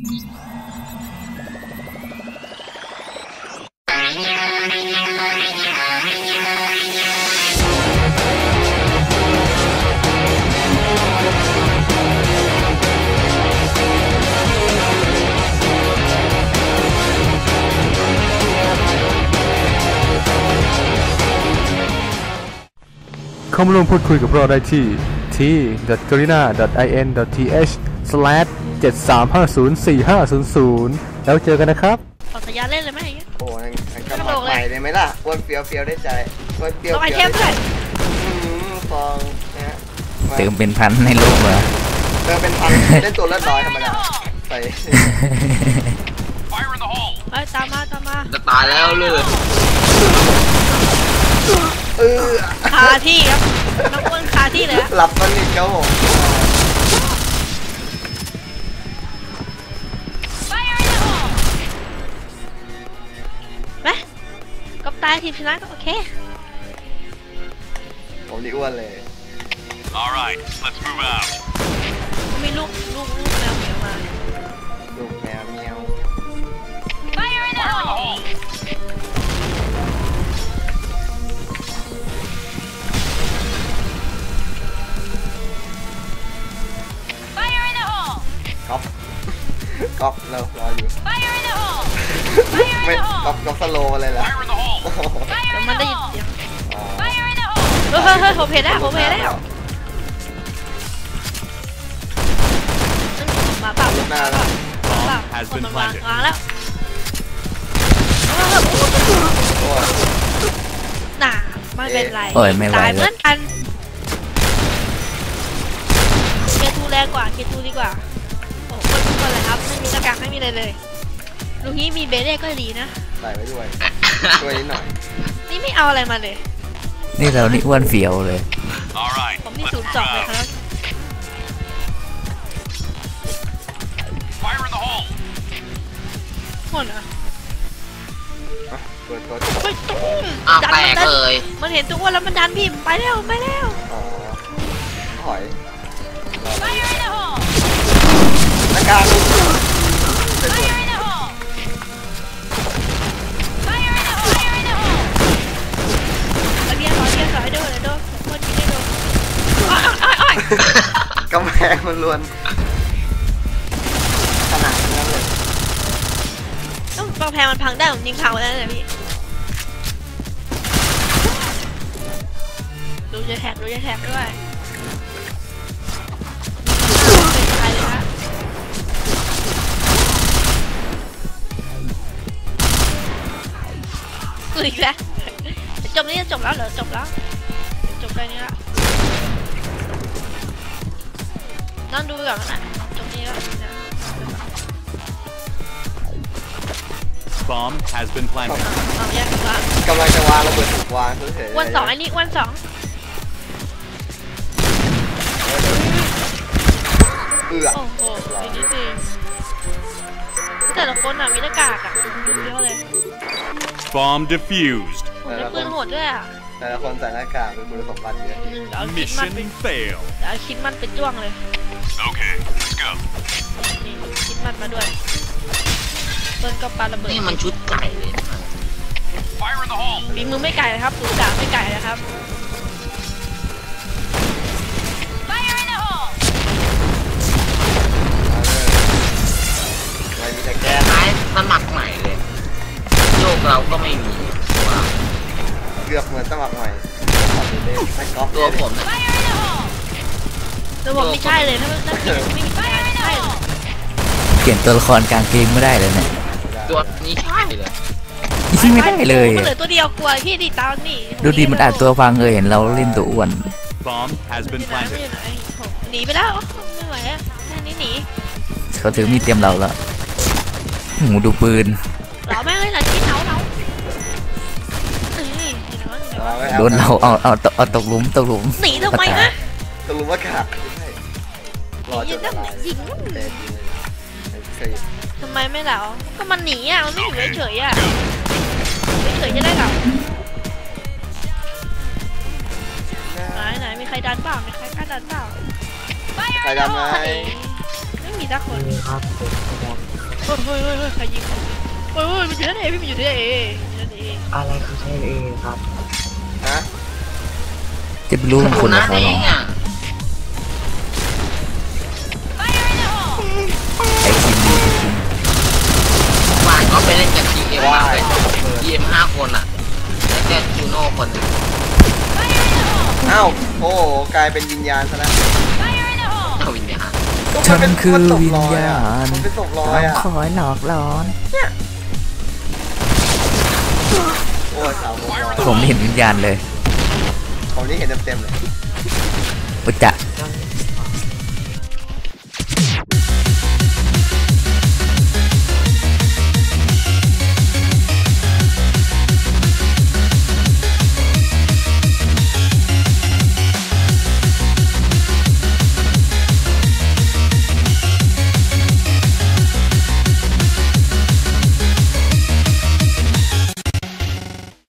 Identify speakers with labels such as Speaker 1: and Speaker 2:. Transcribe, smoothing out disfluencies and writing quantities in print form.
Speaker 1: เข้ามาร่วมพูดคุยกับเราได้ที่ t.garina.in.th/73504500 แล้วเจอกันนะครับ
Speaker 2: ขอสัญญาเล่นเลยไหม
Speaker 3: โอ้ยกำลังไปเลยไหมล่ะอ้วนเฟียวได้ใจอ้วนเฟียว
Speaker 2: ไอเทมด้วย
Speaker 3: ฟองนะ
Speaker 4: เติมเป็นพันในโลกเหรอ
Speaker 3: เติมเป็นพันเล่นตัวเลือดน้อยธรรมดาไป
Speaker 2: ตามมา
Speaker 5: จะตายแล้วเลย
Speaker 2: คาที่ครับน้องอ้วนคาที่เลย
Speaker 3: หลับมันอีกครับผม
Speaker 2: ไหมกับตายทีมชนะก็โอเค
Speaker 3: ผมนี่อ้วนเลย
Speaker 6: Alright, let's move out
Speaker 2: มีลูกแมวเหมียวมา
Speaker 3: ลูกแมวเมียวก๊อปเรารออยู่ไม่ก๊อปสโลว์อะไรล่ะ
Speaker 2: เดี๋ยวมันได้ยินเสียงเฮ้ยผมเห็นแล้วมาเปล่าคนมันวางแล้วน่ะไม่เป็นไรตายเหมือนกันเคทูแรงกว่าเคทูดีกว่าโอ้คนทุกคนเลยครับไม่มีหน้ากากไม่มีอะไรเลยลูกนี้มีเบเล่ก็ดีนะ
Speaker 3: ใส่ไว้ด้วยช่วยนิดหน่อย
Speaker 2: นี่ไม่เอาอะไรมาเลย
Speaker 4: นี่เรานี่อ้วนเฟียวเลย
Speaker 2: ผมนี่02เลยครับหมดเหรอ
Speaker 3: ไป
Speaker 2: ตุ้ม
Speaker 5: แตกเลย
Speaker 2: มันเห็นตัวอ้วนแล้วมันดันพี่ไปแล้ว
Speaker 3: หอยหน้ากากกำแพงมันล้วนขนาดนั้นเลย
Speaker 2: ต้องกำแพงมันพังได้ผมยิงพังไปแล้วเนี่ยพี่ดูจะแท็กด้วยเป็นใครเลยฮะอีกแล้วจบแล้วเหรอจบได้นี้ละนั่งดูไปก่อนนะจบนี้แล้ว
Speaker 6: Bomb has been planted
Speaker 2: แยกกัน
Speaker 3: กำลังจะวางระเบิดถูกวางเฉย
Speaker 2: ๆวัน2อันนี้วัน2โอ้โหนี่สิแต่ละคนมีหน้ากากเยอะเลย
Speaker 6: Bomb defused
Speaker 2: ปืนโหดด้วย
Speaker 3: แต่ละคนใส่หน้ากากเป็นคุณสมบัติเยอะ
Speaker 6: Mission fail
Speaker 2: เอาคิดมันเป็นจ้วงเลย
Speaker 6: Okay, let's go
Speaker 2: นี่คิดมันมาด้วยเปิ้ลก็ปาระเบิด
Speaker 5: นี่มันชุดไก่เลย
Speaker 2: ฝีมือไม่ไก่นะครับสูดาไม่ไก่นะครับ
Speaker 3: มีแต่แก
Speaker 5: ท้ายสมัครใหม่เลยโยกเราก็ไม่มี
Speaker 3: เกือบเหมือนสมัครใหม่
Speaker 5: ตัวผม
Speaker 2: ตัวผมไม่ใช่เลยถ้าไม่มีใช่เลย
Speaker 4: เปลี่ยนตัวละครกลางเกมไม่ได้เลยเนี่ย
Speaker 5: ตัวนี้ใช่เลย
Speaker 4: ไม่ได้เลย
Speaker 2: มันเหลือตัวเดียวกลัวพี่ดิตานี่
Speaker 4: ดูดีมันอาจตัวฟังเห็นเราเล่นตัวอ้วน
Speaker 2: หนีไปแล้วไม่ไหวอ่ะแค่นี้หนี
Speaker 4: เขาถือมีดเตรียมเราแล้วหูดูปืน
Speaker 2: เราแม่งเลยนะที่เนา
Speaker 4: โดนเราเอาตกหลุม
Speaker 2: หนีทำไมฮะ
Speaker 3: ตกหลุมว่าขาดรอจน
Speaker 2: ยิงทำไมไม่เหรอก็มันหนีอ่ะมันไม่อยู่เฉยอ่ะเฉยจะได้เหรอไหนมีใครดันเปล่ามีใครกล้าดันเปล่า
Speaker 3: ใครดันไหม
Speaker 2: ไม่มีสักคนเฮ้ยใครยิงเฮ้ยมันอยู่ที่ไหนพี่มันอยู่ที่ไหนอยู่ที่ไหน
Speaker 7: อะไรคือใช่เองครับ
Speaker 3: ฮะ
Speaker 4: จะไปรู้มันคน
Speaker 5: นะ
Speaker 4: ละเขา
Speaker 5: เอ
Speaker 4: หรอง
Speaker 5: อ่ะ
Speaker 4: ไอ้คิมดีจริง
Speaker 5: วานก็ไปเล่นกับ GM มาเลย GM 5 คนอ่ะแล้วก็จูโน่คนหนึ่ง
Speaker 3: อ้าวโอ้โหกลายเป็นวิญญาณซะแล้ว
Speaker 5: เอาวิญญาณ
Speaker 4: ๆฉันคือวิญญาณ
Speaker 3: มันเป็นศพลอย
Speaker 4: ต้อง
Speaker 3: อ่ะ
Speaker 4: คอยหลอกหลอน
Speaker 3: โอ้ยสาวลอย
Speaker 4: ผมไม่เห็นวิญญาณเลย
Speaker 3: ผมนี่เห็นเต็มๆเลย
Speaker 4: อุจจะ